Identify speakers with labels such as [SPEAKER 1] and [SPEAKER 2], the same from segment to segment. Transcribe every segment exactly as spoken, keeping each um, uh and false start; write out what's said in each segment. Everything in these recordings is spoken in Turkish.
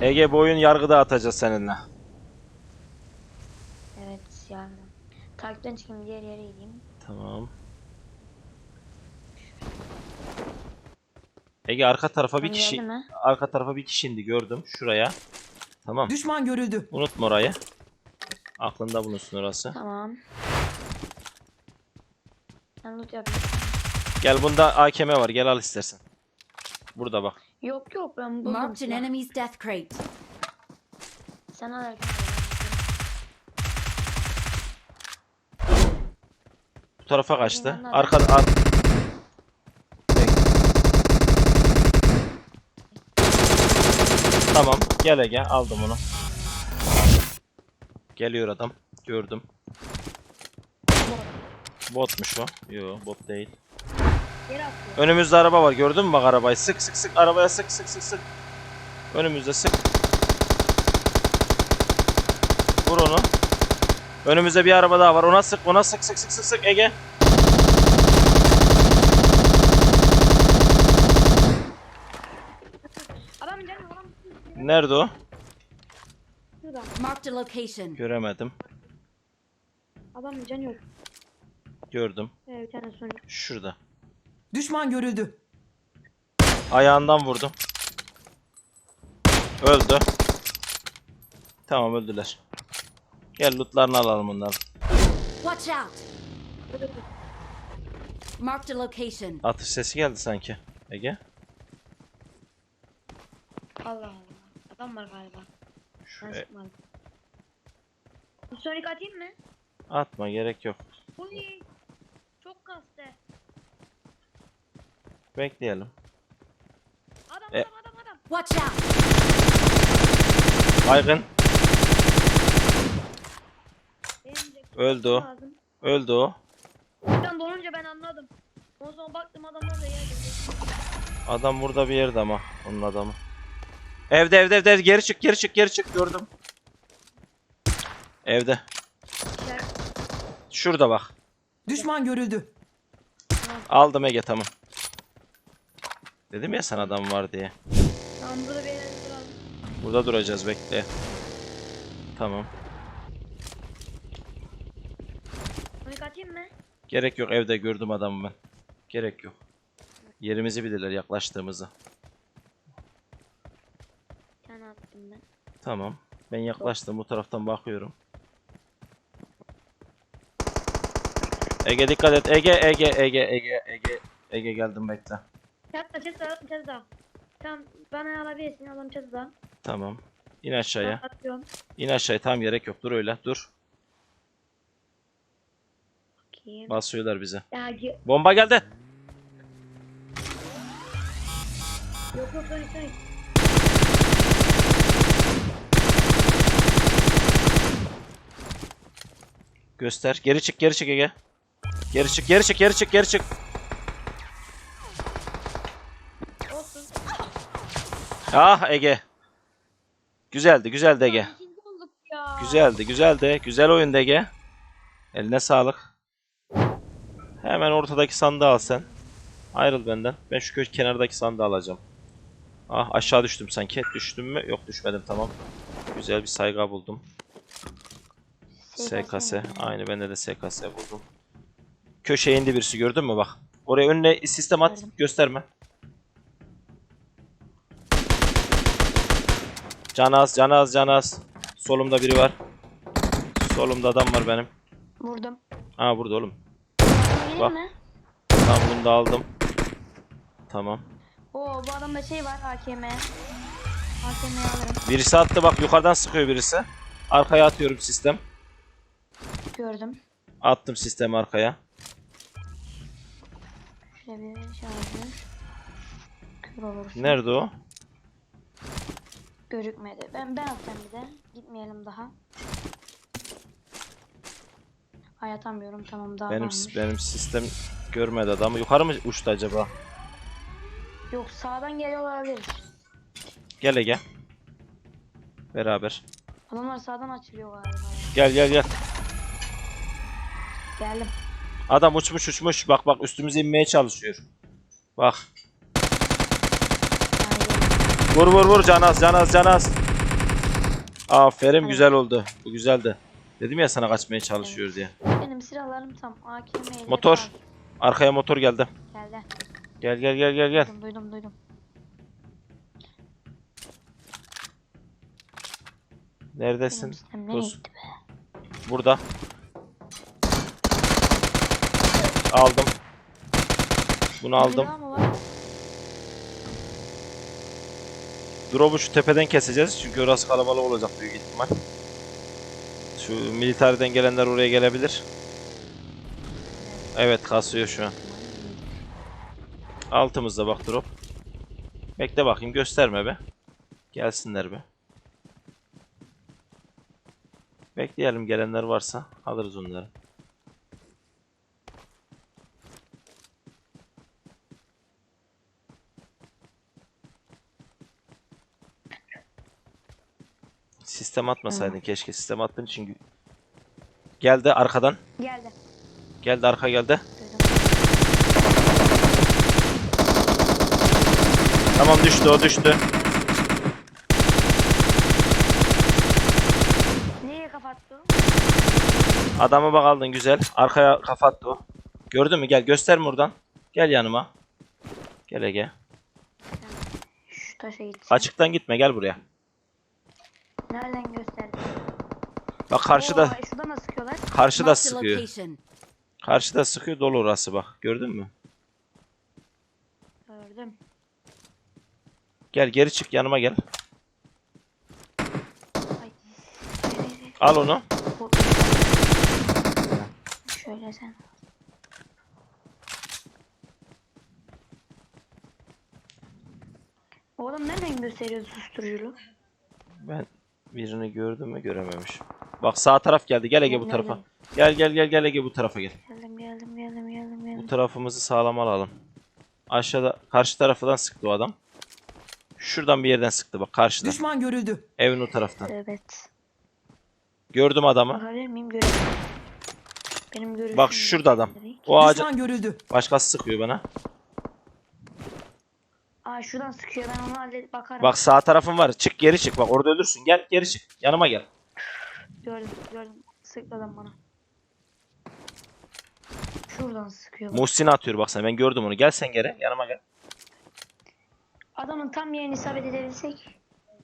[SPEAKER 1] Ege bu oyun yargıda atacağız seninle.
[SPEAKER 2] Evet yardım. Takipten çıkayım, diğer yere gideyim.
[SPEAKER 1] Tamam. Ege arka tarafa bir
[SPEAKER 2] Tam
[SPEAKER 1] kişi
[SPEAKER 2] geldi mi?
[SPEAKER 1] arka tarafa bir kişi indi gördüm şuraya. Tamam.
[SPEAKER 3] Düşman görüldü.
[SPEAKER 1] Unutma orayı. Aklında bulunsun orası.
[SPEAKER 2] Tamam. Ben loot yapayım.
[SPEAKER 1] Gel bunda A K M var. Gel al istersen. Burada bak.
[SPEAKER 2] Yok yok ben buldum.
[SPEAKER 4] Marked an
[SPEAKER 2] silah.
[SPEAKER 4] enemy's death crate.
[SPEAKER 2] Sen al.
[SPEAKER 1] Bu tarafa kaçtı.
[SPEAKER 2] Anladım.
[SPEAKER 1] Arka ar Tamam. Gel Ege. Aldım onu. Geliyor adam. Gördüm. Botmuş o. Yo bot değil.
[SPEAKER 2] Geri atıyor.
[SPEAKER 1] Önümüzde araba var. Gördün mü bak arabayı? Sık sık sık. Arabaya sık sık sık sık. Önümüzde sık. Vur onu. Önümüzde bir araba daha var. Ona sık. Ona sık sık sık sık sık. Ege.
[SPEAKER 2] Adam canım adam.
[SPEAKER 1] Nerede o?
[SPEAKER 2] Şurada.
[SPEAKER 4] Marked a location.
[SPEAKER 1] Göremedim.
[SPEAKER 2] Adam canı yok.
[SPEAKER 1] Gördüm.
[SPEAKER 2] Ee, bir tane Sonic.
[SPEAKER 1] Şurada.
[SPEAKER 3] Düşman görüldü.
[SPEAKER 1] Ayağından vurdum. Öldü. Tamam öldüler. Gel lootlarını alalım onları.
[SPEAKER 4] Watch out. Marked a location.
[SPEAKER 1] Atış sesi geldi sanki. Ege.
[SPEAKER 2] Allah Allah. Adam var galiba.
[SPEAKER 1] Şu,
[SPEAKER 2] Ben
[SPEAKER 1] e,
[SPEAKER 2] sıkmadım. Bu Sonic atayım mı?
[SPEAKER 1] atma gerek yok.
[SPEAKER 2] Uy. Çok kastı.
[SPEAKER 1] Bekleyelim.
[SPEAKER 2] Adam
[SPEAKER 1] E-
[SPEAKER 2] adam adam adam.
[SPEAKER 4] Watch out.
[SPEAKER 1] Baygın.
[SPEAKER 2] Benim de
[SPEAKER 1] Öldü o.
[SPEAKER 2] lazım.
[SPEAKER 1] Öldü o.
[SPEAKER 2] Buradan dolunca ben anladım. O zaman baktım adam orada yerde.
[SPEAKER 1] Adam burada bir yerde ama. Onun adamı. Evde evde evde. Geri çık geri çık geri çık. Gördüm. Evde. Şurada bak.
[SPEAKER 3] Düşman görüldü.
[SPEAKER 1] Aldım Ege tamam. Dedim ya sana adam var diye.
[SPEAKER 2] Tamam burada bir yerde duralım.
[SPEAKER 1] Burada duracağız bekle. Tamam.
[SPEAKER 2] Sonic atayım mı?
[SPEAKER 1] Gerek yok evde gördüm adamı ben. Gerek yok. Yerimizi bilirler yaklaştığımızı.
[SPEAKER 2] Bir tane attım ben.
[SPEAKER 1] Tamam. Ben yaklaştım bu taraftan bakıyorum. Ege dikkat et. Ege Ege Ege Ege Ege Ege geldim bekle.
[SPEAKER 2] Çatıda çatıda çatıda. Tamam bana alabilirsin adam çatıda.
[SPEAKER 1] Tamam. İn aşağıya.
[SPEAKER 2] Atıyorum.
[SPEAKER 1] İn aşağıya tamam gerek yok. Dur öyle dur.
[SPEAKER 2] Bakayım.
[SPEAKER 1] Basıyorlar bize.
[SPEAKER 2] Ya ge-
[SPEAKER 1] Bomba geldi.
[SPEAKER 2] yok yok Sonic Sonic.
[SPEAKER 1] Göster. Geri çık geri çık Ege. Geri çık geri çık geri çık geri çık.
[SPEAKER 2] Olsun.
[SPEAKER 1] Ah Ege. Güzeldi güzeldi Ege.
[SPEAKER 2] İkinci olduk ya.
[SPEAKER 1] Güzeldi güzeldi. Güzel oyundu Ege. Eline sağlık. Hemen ortadaki sandığı al sen. Ayrıl benden. Ben şu köşe kenardaki sandığı alacağım. Ah aşağı düştüm sanki. Düştüm mü? Yok düşmedim tamam. Güzel bir saygı buldum. S K S. Aynı bende de S K S buldum. Köşeye indi birisi gördün mü bak. Oraya önüne sistem at.
[SPEAKER 2] Gördüm.
[SPEAKER 1] Gösterme. Canaz canaz canaz. Solumda biri var. Solumda adam var benim.
[SPEAKER 2] Vurdum.
[SPEAKER 1] Aa burada oğlum.
[SPEAKER 2] Gelir
[SPEAKER 1] Bak.
[SPEAKER 2] mi?
[SPEAKER 1] Tamam bunu da aldım. Tamam.
[SPEAKER 2] Oo bu adamda şey var A K M. A K M'yi alırım.
[SPEAKER 1] Birisi attı bak yukarıdan sıkıyor birisi. Arkaya atıyorum sistem.
[SPEAKER 2] Gördüm.
[SPEAKER 1] Attım sistemi arkaya.
[SPEAKER 2] Şöyle bir şarjör. Kör olursun.
[SPEAKER 1] Nerede o?
[SPEAKER 2] Gözükmedi. Ben ben atacağım bir de. Gitmeyelim daha. Ay atamıyorum tamam daha
[SPEAKER 1] Benim
[SPEAKER 2] varmış.
[SPEAKER 1] benim sistem görmedi adamı. Yukarı mı uçtu acaba?
[SPEAKER 2] Yok sağdan geliyor olabilir.
[SPEAKER 1] Gel Ege. Beraber.
[SPEAKER 2] Adamlar sağdan açılıyor galiba. ya.
[SPEAKER 1] Gel gel gel.
[SPEAKER 2] Geldim.
[SPEAKER 1] Adam uçmuş uçmuş. Bak bak üstümüze inmeye çalışıyor. Bak.
[SPEAKER 2] Yani geldim.
[SPEAKER 1] Vur vur vur canaz canaz canaz. Aferin,
[SPEAKER 2] Evet.
[SPEAKER 1] güzel oldu. Bu güzeldi. Dedim ya sana kaçmaya çalışıyor diye.
[SPEAKER 2] Benim silahlarım tam. A K M ile
[SPEAKER 1] Motor.
[SPEAKER 2] falan.
[SPEAKER 1] Arkaya motor geldi.
[SPEAKER 2] Geldi.
[SPEAKER 1] Gel gel gel gel gel.
[SPEAKER 2] Duydum duydum duydum.
[SPEAKER 1] Neredesin?
[SPEAKER 2] Benim sistem nereye
[SPEAKER 1] Dur.
[SPEAKER 2] gitti be?
[SPEAKER 1] Burada. Aldım. Bunu aldım.
[SPEAKER 2] Bir daha mı var?
[SPEAKER 1] Drop'u şu tepeden keseceğiz çünkü orası kalabalık olacak büyük ihtimal. Şu militariden gelenler oraya gelebilir. Evet, kasıyor şu an. Altımızda bak drop. Bekle bakayım, gösterme be. Gelsinler be. Bekleyelim, gelenler varsa alırız onları. Sistem atmasaydın keşke. Sistem attığın için gü- geldi arkadan.
[SPEAKER 2] Geldi.
[SPEAKER 1] Geldi, arka geldi.
[SPEAKER 2] Duydum.
[SPEAKER 1] Tamam, düştü, o düştü.
[SPEAKER 2] Nereye kapattı?
[SPEAKER 1] Adamı bak aldın, güzel. Arkaya kafa attı o. Gördün mü? Gel, gösterme oradan. Gel yanıma. Gel Ege.
[SPEAKER 2] Şu taşa gitsin.
[SPEAKER 1] Açıktan gitme, gel buraya.
[SPEAKER 2] Nereden gösterdi?
[SPEAKER 1] Bak karşıda.
[SPEAKER 2] Oo, şuradan da sıkıyorlar.
[SPEAKER 1] Karşıda
[SPEAKER 4] Marked a
[SPEAKER 1] sıkıyor.
[SPEAKER 4] location.
[SPEAKER 1] Karşıda sıkıyor, dolu orası bak. Gördün mü?
[SPEAKER 2] Gördüm.
[SPEAKER 1] Gel, geri çık, yanıma gel.
[SPEAKER 2] Ay. Ay, ay, ay.
[SPEAKER 1] Al onu.
[SPEAKER 2] Bu- Şöyle sen. Oğlum nereden gösteriyor susturuculu?
[SPEAKER 1] Ben birini gördüm mü, görememiş. Bak sağ taraf geldi. Gel Ege bu
[SPEAKER 2] Nereden?
[SPEAKER 1] tarafa. Gel gel gel gel Ege bu tarafa gel.
[SPEAKER 2] Geldim geldim geldim geldim
[SPEAKER 1] Bu
[SPEAKER 2] geldim.
[SPEAKER 1] tarafımızı sağlam alalım. Aşağıda karşı tarafından sıktı o adam. Şuradan bir yerden sıktı bak, karşıdan.
[SPEAKER 3] Düşman görüldü.
[SPEAKER 1] Evin o taraftan.
[SPEAKER 2] Evet.
[SPEAKER 1] Gördüm adamı.
[SPEAKER 2] Bakabilir miyim? Görelim. Benim görüşüm.
[SPEAKER 1] Bak şurada adam. O ağacı
[SPEAKER 3] Düşman görüldü.
[SPEAKER 1] başkası sıkıyor bana.
[SPEAKER 2] Aa şuradan sıkıyor, ben onu halledip bakarım.
[SPEAKER 1] Bak sağ tarafın var. Çık, geri çık. Bak orada ölürsün. Gel geri çık. Yanıma gel.
[SPEAKER 2] Gördüm gördüm. Sıktı adam bana. Şuradan sıkıyor. bak.
[SPEAKER 1] Muhsin'i atıyor bak sen. Ben gördüm onu. Gel sen geri. Yanıma gel.
[SPEAKER 2] Adamın tam yerini isabet edebilsek.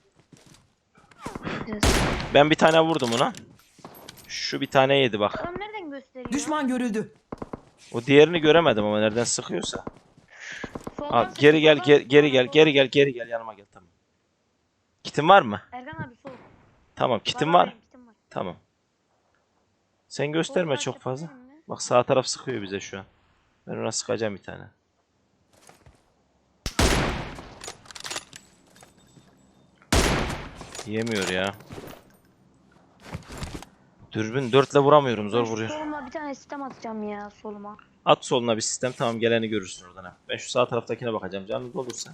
[SPEAKER 2] Biraz.
[SPEAKER 1] Ben bir tane vurdum ona. Şu bir tane yedi bak.
[SPEAKER 2] Adam nereden gösteriyor?
[SPEAKER 3] Düşman görüldü.
[SPEAKER 1] O diğerini göremedim ama nereden sıkıyorsa.
[SPEAKER 2] Soldan
[SPEAKER 1] Al,
[SPEAKER 2] sıkıyor,
[SPEAKER 1] geri gel,
[SPEAKER 2] soldan
[SPEAKER 1] geri,
[SPEAKER 2] sıkıyor,
[SPEAKER 1] geri gel,
[SPEAKER 2] soldan.
[SPEAKER 1] geri gel, geri gel. Yanıma gel, tamam. Kitin var mı?
[SPEAKER 2] Erkan abi sol.
[SPEAKER 1] Tamam, kitin
[SPEAKER 2] Var,
[SPEAKER 1] var.
[SPEAKER 2] benim kitim var.
[SPEAKER 1] Tamam. Sen gösterme
[SPEAKER 2] Soldan
[SPEAKER 1] çok fazla.
[SPEAKER 2] yapabilir mi?
[SPEAKER 1] Bak sağ taraf sıkıyor bize şu an. Ben ona sıkacağım bir tane. Yemiyor ya. Dürbün dörtle vuramıyorum, zor
[SPEAKER 2] Ben
[SPEAKER 1] vuruyor.
[SPEAKER 2] Soluma bir tane sistem atacağım ya soluma.
[SPEAKER 1] At soluna bir sistem, tamam, geleni görürsün oradan ha. Ben şu sağ taraftakine bakacağım, canınız olursa.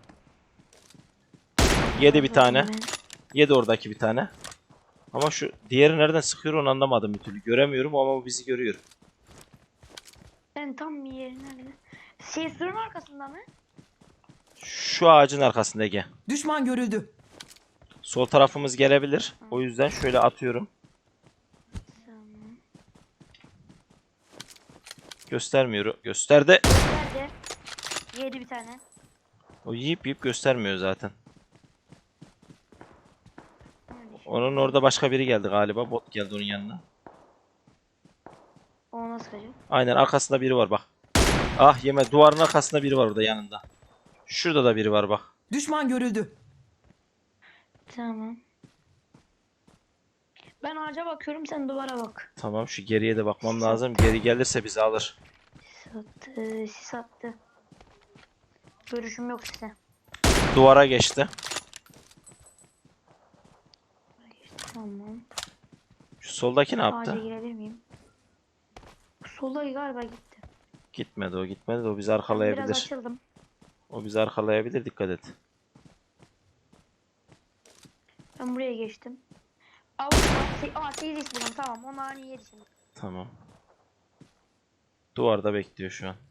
[SPEAKER 1] Yedi bir tane.
[SPEAKER 2] Ben-
[SPEAKER 1] Yedi oradaki bir tane. Ama şu diğeri nereden sıkıyor onu anlamadım bir türlü. Göremiyorum ama o bizi görüyor.
[SPEAKER 2] Ben tam bir yeri nerede? Şey surun arkasında mı?
[SPEAKER 1] Şu ağacın arkasında Ege.
[SPEAKER 3] Düşman görüldü.
[SPEAKER 1] Sol tarafımız gelebilir. O yüzden şöyle atıyorum.
[SPEAKER 2] Tamam.
[SPEAKER 1] Göstermiyor. Gösterdi.
[SPEAKER 2] Nerede? Yedi bir tane.
[SPEAKER 1] O yiyip yiyip göstermiyor zaten.
[SPEAKER 2] Nerede?
[SPEAKER 1] Onun orada başka biri geldi galiba. Bot geldi onun yanına.
[SPEAKER 2] O nasıl kaçıyor?
[SPEAKER 1] Aynen, arkasında biri var bak. Ah yeme, duvarın arkasında biri var orada yanında. Şurada da biri var bak.
[SPEAKER 3] Düşman görüldü.
[SPEAKER 2] Tamam. Ben ağaca bakıyorum, sen duvara bak.
[SPEAKER 1] Tamam, şu geriye de bakmam lazım. Geri gelirse bizi alır.
[SPEAKER 2] Sis attı, sis attı. Görüşüm yok size.
[SPEAKER 1] Duvara geçti.
[SPEAKER 2] Tamam.
[SPEAKER 1] Şu soldaki ne
[SPEAKER 2] Ağaca
[SPEAKER 1] yaptı?
[SPEAKER 2] girebilir miyim? Solda galiba gitti.
[SPEAKER 1] Gitmedi o, gitmedi de o bizi
[SPEAKER 2] Ben biraz
[SPEAKER 1] arkalayabilir.
[SPEAKER 2] açıldım.
[SPEAKER 1] O bizi arkalayabilir, dikkat et.
[SPEAKER 2] Ben buraya geçtim. Aa, aa sekiz buldum, tamam. Onu ani yedi şimdi.
[SPEAKER 1] Tamam. Duvarda bekliyor şu an.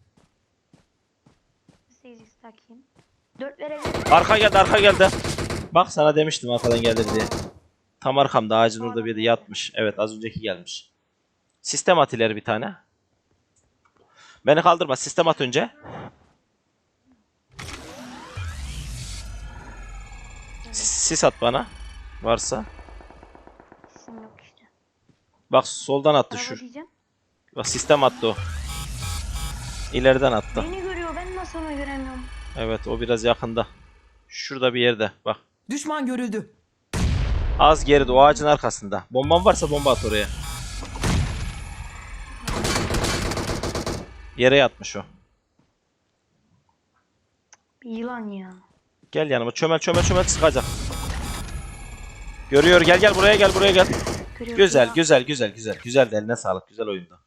[SPEAKER 2] sekiz takayım. dört verebilirim.
[SPEAKER 1] Arka geldi, arka geldi. Bak sana demiştim arkadan gelir diye. Tam arkamda ağacın orada biri yatmış. Evet az önceki gelmiş. Sistem at ileri bir tane. Beni kaldırma. Sistem at önce. Sis, sis at bana. Varsa.
[SPEAKER 2] İsim yok işte.
[SPEAKER 1] Bak soldan attı
[SPEAKER 2] Araba
[SPEAKER 1] şu.
[SPEAKER 2] diyeceğim.
[SPEAKER 1] Bak sistem attı o. İleriden attı.
[SPEAKER 2] Beni görüyor. Ben nasıl onu göremiyorum?
[SPEAKER 1] Evet o biraz yakında. Şurada bir yerde. Bak.
[SPEAKER 3] Düşman görüldü.
[SPEAKER 1] Az geride o ağacın arkasında. Bomban varsa bomba at oraya. Yere yatmış o.
[SPEAKER 2] Bir yılan ya.
[SPEAKER 1] Gel yanıma. Çömel çömel çömel sıkacak. Görüyor. Gel gel buraya gel buraya gel.
[SPEAKER 2] Görüyor
[SPEAKER 1] Güzel
[SPEAKER 2] ya.
[SPEAKER 1] güzel güzel güzel. Güzel de eline sağlık. Güzel oyunda.